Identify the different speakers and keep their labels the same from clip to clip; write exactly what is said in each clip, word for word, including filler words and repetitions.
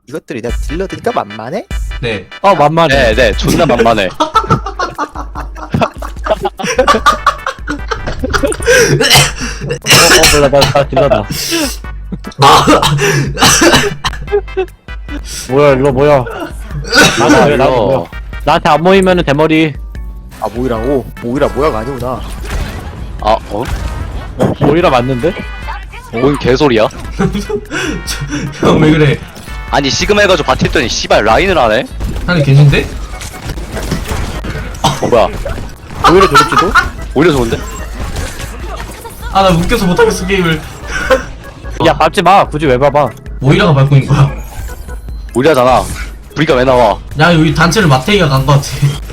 Speaker 1: 이것들이 내가 딜러드니까 만만해?
Speaker 2: 네.
Speaker 3: 어 만만해.
Speaker 4: 네, 네, 존나 만만해.
Speaker 3: 어, 어 몰라 나나 딜러다. 뭐야 이거 뭐야? 나도 왜 나도 뭐야? 나한테 안 모이면은 대머리.
Speaker 1: 아 모이라고? 모이라 모야가 아니구나.
Speaker 4: 아, 어?
Speaker 3: 모이라 맞는데?
Speaker 4: 뭔 개소리야?
Speaker 2: 형 왜 그래?
Speaker 4: 아니, 시그마 해가지고 바티했더니 씨발 라인을 하네?
Speaker 2: 하늘 계신데?
Speaker 4: 어, 뭐야.
Speaker 3: 모이라 좋을지도?
Speaker 4: 오히려 좋은데?
Speaker 2: 아 나 웃겨서 못하겠어 게임을.
Speaker 3: 야 밟지 마. 굳이 왜 밟아?
Speaker 2: 모이라가 밟고 있는 거야.
Speaker 4: 오히려잖아. V가 왜 나와?
Speaker 2: 야 여기 단체를 마태이가 간 거 같아.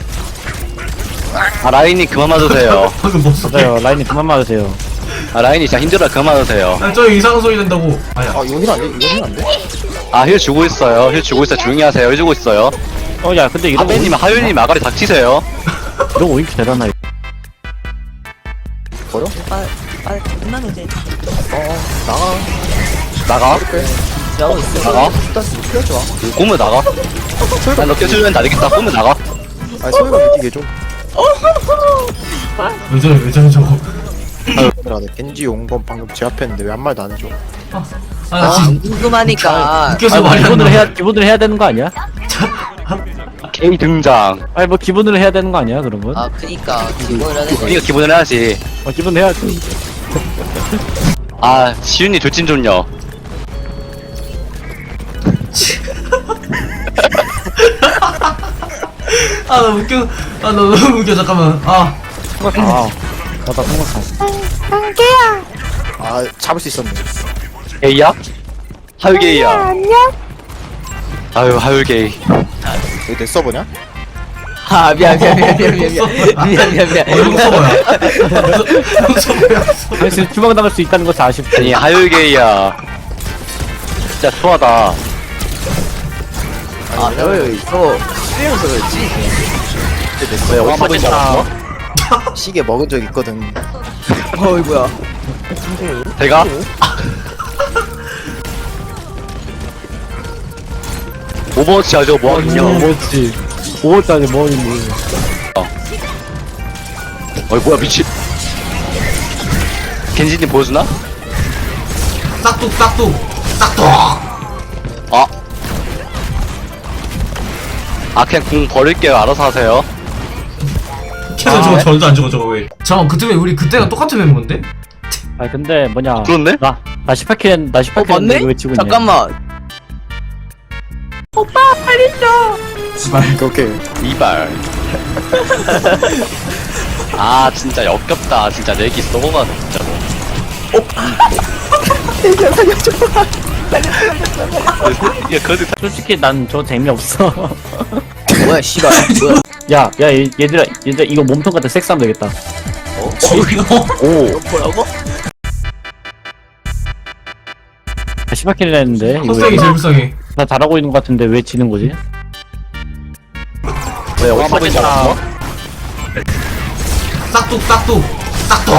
Speaker 4: 아, 라인이 그만 맞으세요.
Speaker 2: 방금 못 쏘게.
Speaker 3: 맞아요. 라인이 그만 맞으세요.
Speaker 4: 아, 라인이 진짜 힘들어. 그만 맞으세요.
Speaker 2: 아, 저 이상한 소리 낸다고. 아야.
Speaker 1: 아 이거 힐안 돼? 이거 힐안 돼?
Speaker 4: 아, 힐 주고 있어요. 힐 주고 있어요. 조용히 하세요. 힐 주고 있어요.
Speaker 3: 어 야 근데 이런
Speaker 4: 아베님, 하윤님 아가리 닥치세요.
Speaker 3: 이런 오인큐 되려나?
Speaker 1: 버려?
Speaker 5: 빨리 빨리 끝나면 돼.
Speaker 1: 어어 나가.
Speaker 4: 나가.
Speaker 1: 빼.
Speaker 5: 나오고 있어.
Speaker 4: 나가.
Speaker 1: 일단 껴줘.
Speaker 4: 꼬면 나가. 난너 껴주면 안 되겠다. 꼬면 나가.
Speaker 1: 아니 소리가 느끼게 좀.
Speaker 2: 왜 저래 왜 저래 저거.
Speaker 1: 얘들아 내 겐지 용건 방금 제압했는데 왜 한 말도 안 해줘?
Speaker 2: 아나
Speaker 5: 아,
Speaker 2: 지금
Speaker 5: 궁금하니까.
Speaker 2: 웃겨서
Speaker 3: 아니 뭐
Speaker 2: 말이 안
Speaker 3: 기본으로
Speaker 2: 나.
Speaker 3: 해야 기본으로 해야 되는 거 아니야?
Speaker 4: K 등장.
Speaker 3: 아니 뭐 기본으로 해야 되는 거 아니야 그런 건?
Speaker 5: 아, 그니까 기본을 해야 돼.
Speaker 4: 이거 기본으로 해야지.
Speaker 3: 어 기본 해야지.
Speaker 4: 아, 시윤이 돌진 좀요.
Speaker 2: 아나 웃겨. 아나 너무 웃겨 잠깐만. 아.
Speaker 3: 아 나다 생각하.
Speaker 1: 아 잡을 수 있었네.
Speaker 4: 게이야? 하율 게이야. 안녕. 아유, 하율 게이.
Speaker 1: 이거 내 서버냐?
Speaker 5: 아, 미안 미안 미안 미안 미안 미안 미안 미안.
Speaker 2: 어 이거 서버야. 이거 서버야.
Speaker 3: 그래서 주방 당할 수 있다는 것이 아쉽다.
Speaker 4: 아니, 하율 게이야. 진짜 초하다.
Speaker 5: 아, 너 이거 쉬면서 그렇지.
Speaker 1: 내
Speaker 4: 왜,
Speaker 1: 서버
Speaker 4: 어디서 된 잡았어?
Speaker 1: 시계 먹은 적 있거든.
Speaker 5: 어이구야.
Speaker 4: 대가? 오버워치 하죠, 뭐 하긴요.
Speaker 3: 뭐지? 오월달에 뭐 있니?
Speaker 4: 어이, 뭐야, 미친. 겐지님 보여주나?
Speaker 2: 싹둑 싹둑 싹둑.
Speaker 4: 아. 아, 그냥 공 버릴게요. 알아서 하세요.
Speaker 2: 계속
Speaker 3: 아,
Speaker 2: 저거
Speaker 3: 네?
Speaker 2: 절도 안 죽어 저거 왜? 잠깐 그때 왜 우리 그때랑 똑같은 멤버인데?
Speaker 3: 아 근데 뭐냐?
Speaker 4: 그렇네?
Speaker 3: 나나 십팔 킬 나
Speaker 5: 어,
Speaker 3: 십팔 킬
Speaker 5: 맞네?
Speaker 3: 왜 치고 있냐?
Speaker 5: 잠깐만.
Speaker 2: 씨발.
Speaker 1: 오케이.
Speaker 4: 이발. 아, 진짜 역겹다. 진짜 내기 썩어가, 진짜로. 야, 그래도
Speaker 3: 솔직히 난 저 재미없어.
Speaker 5: 뭐야, 씨발. 뭐야?
Speaker 3: 야, 야, 얘, 얘들아, 얘들아, 이거 몸통 같은 섹스하면 되겠다.
Speaker 4: 오.
Speaker 5: 뭐라고?
Speaker 3: 아, 십팔 킬이나 했는데, 이거
Speaker 2: 헛성이 제일 불쌍해.
Speaker 3: 나 잘하고 있는 것 같은데 왜 지는 거지?
Speaker 4: 왜, 어디서 보인지 알았어?
Speaker 2: 싹둑 싹둑 싹둑.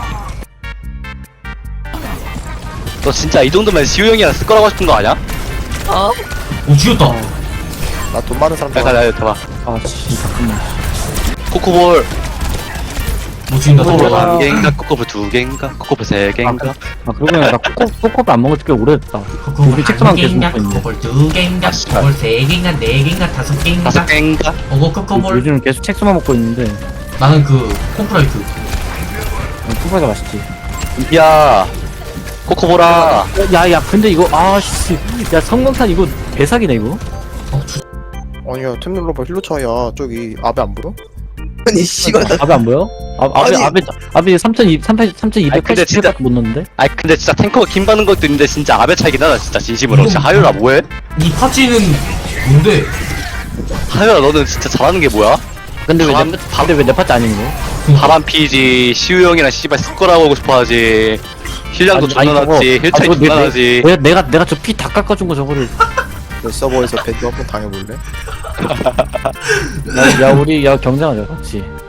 Speaker 4: 너 진짜 이 정도면 시우 형이랑 쓸 거라고 싶은 거 아니야?
Speaker 5: 어?
Speaker 2: 오 죽였다.
Speaker 1: 나 돈 많은 사람
Speaker 4: 잠깐,
Speaker 1: 좋아.
Speaker 4: 나, 봐봐.
Speaker 3: 아, 씨, 잠깐만.
Speaker 4: 코코볼.
Speaker 2: 못 죽인다
Speaker 3: 오,
Speaker 2: 저거.
Speaker 3: 아.
Speaker 4: 한 개인가? 코코볼 두 개인가? 코코볼 세 개인가?
Speaker 3: 아, 그러고 보니까 나 코코, 코코를 안 먹은 지 꽤 오래됐다. 우리 책상만 계속 먹고 있네.
Speaker 2: 코코볼 두 개인가?
Speaker 4: 아, 씨발.
Speaker 2: 코코볼 세 개인가? 네 개인가? 다섯 개인가?
Speaker 4: 다섯 개인가?
Speaker 2: 어거 코코볼.
Speaker 3: 요즘 계속 책수만 먹고 있는데,
Speaker 2: 나는 그 콤프라이트.
Speaker 3: 코코가 맛있지.
Speaker 4: 야, 코코볼아.
Speaker 3: 야, 야, 근데 이거, 아, 씨. 야, 성광탄 이거 대사기네, 이거?
Speaker 2: 어 주.
Speaker 1: 아니야 템 눌러봐 힐러 차야. 저기 아베 안 보여?
Speaker 5: 아니, 씨발. 나
Speaker 3: 아베 안 보여? 아, 아베,
Speaker 5: 아니.
Speaker 3: 아베, 아베 삼천이백팔십,
Speaker 4: 아니, 근데
Speaker 3: 삼천이백팔십
Speaker 4: 진짜-
Speaker 3: 킬밖에 못 넣었는데?
Speaker 4: 아니, 근데 진짜 탱커가 킴 받는 것도 있는데 진짜 아베 차이긴 하다, 진짜 진심으로. 진짜 하율아, 뭐해?
Speaker 2: 이 파츠는 뭔데?
Speaker 4: 하율아, 너는 진짜 잘하는 게 뭐야?
Speaker 3: 근데 왜,
Speaker 4: 밥-
Speaker 3: 내, 근데 왜 내 파트 아닌 거?
Speaker 4: 바람 피지, 시우 형이랑 씨발 쓸 거라고 하고 싶어 하지. 힐량도
Speaker 3: 아니,
Speaker 4: 존나
Speaker 3: 아니,
Speaker 4: 낮지,
Speaker 3: 저거-
Speaker 4: 힐 차이
Speaker 3: 아, 저거
Speaker 4: 존나
Speaker 3: 내-
Speaker 4: 나지.
Speaker 3: 내, 내가, 내가 저 피 다 깎아준 거 저거를.
Speaker 1: 내 서버에서 배드 한번 당해볼래?
Speaker 3: 야, 야, 우리, 야, 경쟁하자, 같이.